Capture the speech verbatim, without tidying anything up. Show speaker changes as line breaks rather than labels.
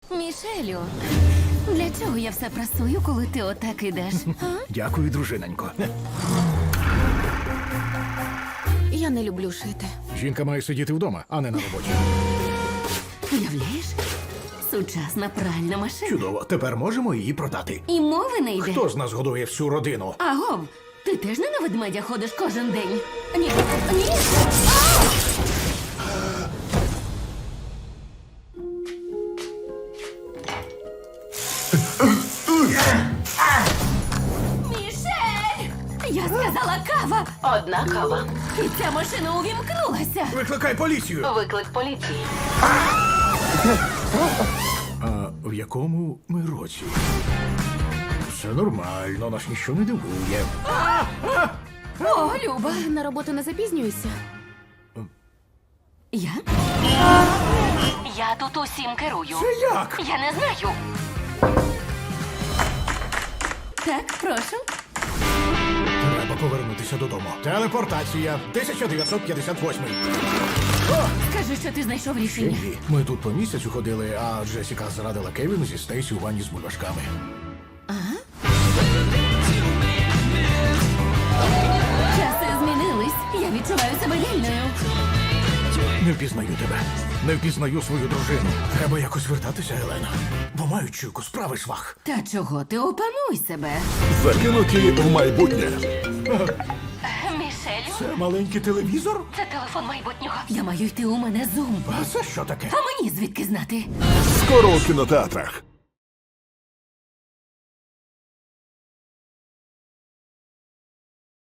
Мішелю, для чого я все прасую, коли ти отак ідеш? А?
Дякую, дружинонько.
Я не люблю шити.
Жінка має сидіти вдома, а не на роботі.
Уявляєш? Сучасна пральна машина.
Чудово, тепер можемо її продати.
І мови не йде.
Хто з нас годує всю родину?
Агов, ти теж не на ведмедя ходиш кожен день? Ні, ні. Мішель! Я сказала кава!
Одна кава.
І ця машина увімкнулася.
Викликай поліцію!
Виклик поліції.
А в якому ми році? Все нормально, нас ніщо не дивує.
О, Люба.
На роботу не запізнююся.
Я?
Я тут усім керую.
Це як?
Я не знаю.
Так, прошу.
Треба повернутися додому. Телепортація тисяча дев'ятсот п'ятдесят восьмий.
Скажи, що ти знайшов рішення.
Ні, ми тут по місяцю ходили, а Джесіка зрадила Кевіну зі Стейсі у ванні з бульбашками.
Часи змінились. Я відчуваю себе вільною.
Не впізнаю тебе. Не впізнаю свою дружину. Треба якось вертатися, Елена. Бо маю чуйку, справи швах.
Та чого ти опануй себе?
Закинуті в майбутнє.
Мішелю,
Це маленький телевізор?
це телефон майбутнього.
Я маю йти, у мене зум.
А це що таке?
А мені звідки знати?
Скоро у кінотеатрах.